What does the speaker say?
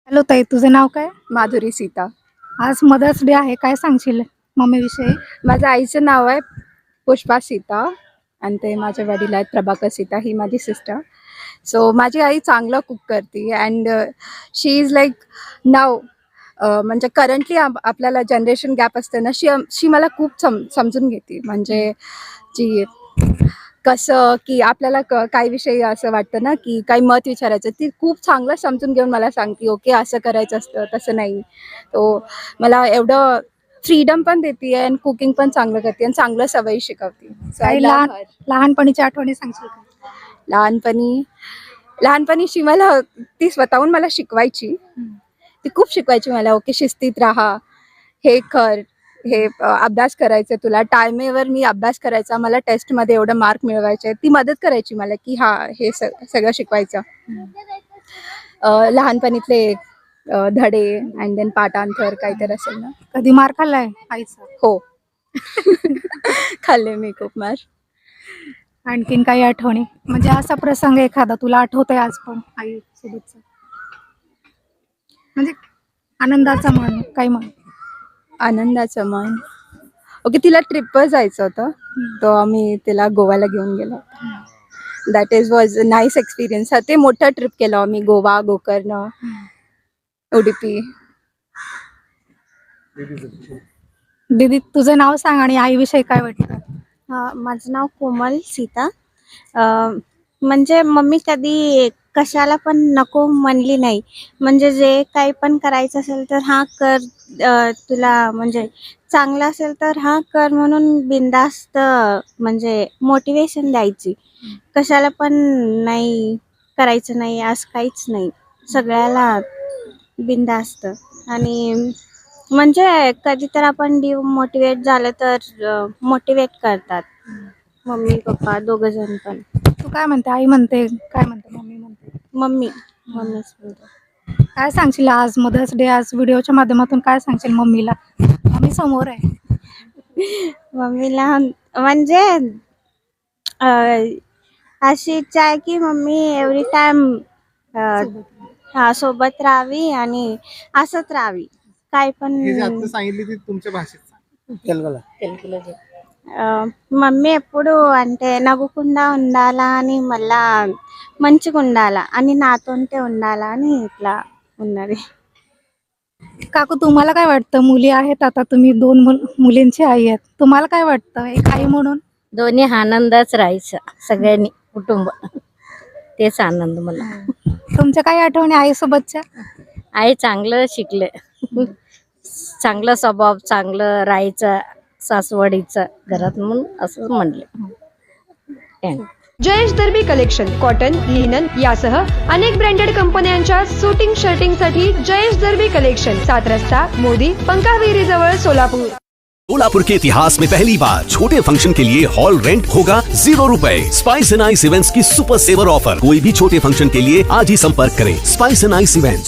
Hello ताई, तुझं नाव काय? माधुरी सीता. आज मदर्स डे आहे, काय सांगशील मम्मीविषयी? माझ्या आईचं नाव आहे पुष्पा सीता आणि ते माझे वडील आहेत प्रभाकर सीता, ही माझी सिस्टर. सो माझी आई चांगलं कुक करते अँड शी इज लाईक नाव म्हणजे करंटली आपल्याला जनरेशन गॅप असते ना, शी मला खूप समजून घेते. म्हणजे जी कसं की आपल्याला काही विषयी असं वाटतं ना की काही मत विचारायचं, ती खूप चांगलं समजून घेऊन मला सांगते, ओके असं करायचं असतं, तसं नाही. तो मला एवढं फ्रीडम पण देते आणि कुकिंग पण चांगलं करते आणि चांगलं सवयी शिकवते. So I काही love her. लहानपणीच्या आठवणी सांगशील का? लहानपणीची मला ती स्वतःहून मला शिकवायची. ती खूप शिकवायची मला, ओके शिस्तीत राहा, हे कर, हे अभ्यास करायचा तुला, टायमेवर मी अभ्यास करायचा, मला टेस्टमध्ये एवढं मार्क मिळवायचे. ती मदत करायची मला की हां, हे सगळं शिकवायचं. लहानपणीतले धडे अँड देन पाठांतर काहीतरी असेल ना. कधी मार खाल्लाय आईचा? हो. खाल्ले मी खूप मार. आणखीन काही आठवणी, म्हणजे असा प्रसंग एखादा तुला आठवतोय आज पण आई सोबतचा, म्हणजे आनंदाचा म्हण, काय म्हण? आनंदाचं मन, ओके तिला ट्रिपवर जायचं होतं, तर आम्ही तिला गोव्याला घेऊन गेलो. That was a nice experience. ते मोठं ट्रिप केलं आम्ही, गोवा, गोकर्ण, उडुपी. दीदी, तुझं नाव सांग आणि आईविषयी काय वाटतं? माझं नाव कोमल सीता. म्हणजे मम्मी कधी कशाला पण नको म्हणली नाही. म्हणजे जे काही पण करायचं असेल तर हां कर, तुला म्हणजे चांगलं असेल तर हां कर म्हणून बिनधास्त म्हणजे मोटिवेशन द्यायची. कशाला पण नाही करायचं नाही असं काहीच नाही, सगळ्याला बिनधास्त. आणि म्हणजे कधी तर आपण डिमोटिवेट झालं तर मोटिवेट करतात मम्मी पप्पा दोघं जण पण. तू काय म्हणते? आई म्हणते, काय म्हणते मम्मी म्हणते? मम्मीच बोलते. काय सांगशील आज मदर्स डे, आज व्हिडिओच्या माध्यमातून काय सांगशील मम्मीला? मम्मी समोर आहे. मम्मीला म्हणजे अशी इच्छा आहे की मम्मी एव्हरी टाइम सोबत राहावी आणि असंच राहावी. काय पण सांगितली ती तुमच्या भाषेत మమ్మీ ఎప్పుడు అంటే నవ్వుకుండా ఉండాలా అని మళ్ళా మంచిగా ఉండాలా అని నాతోంటే ఉండాలా అని ఇట్లా ఉన్నది. काकू, तुम्हाला काय वाटतं? मुली आहेत, आता तुम्ही दोन मुलींची आई आहेत, तुम्हाला काय वाटतं एक आई म्हणून? दोन्ही आनंदच राहायचं सगळ्यांनी, कुटुंब, तेच आनंद मला. तुमच्या काही आठवणी आईसोबतच्या? आई चांगलं शिकले, चांगलं स्वभाव, चांगलं राहायचं सासवडीचं घरात म्हणून असं म्हणले. Jayesh Derby collection cotton, linen यासह अनेक ब्रँडेड कंपन्यांच्या सुटिंग शर्टिंगसाठी जयेश दर्बी कलेक्शन, 7 रस्ता मोदी, पंकाविरी जवळ, सोलापुर. सोलापुर के इतिहास में पहली बार छोटे फंक्शन के लिए हॉल रेंट होगा 0 रुपए। स्पाइस एंड आइस इवेंट्स की सुपर सेवर ऑफर। कोई भी छोटे फंक्शन के लिए आज ही संपर्क करें। Spice and Ice events.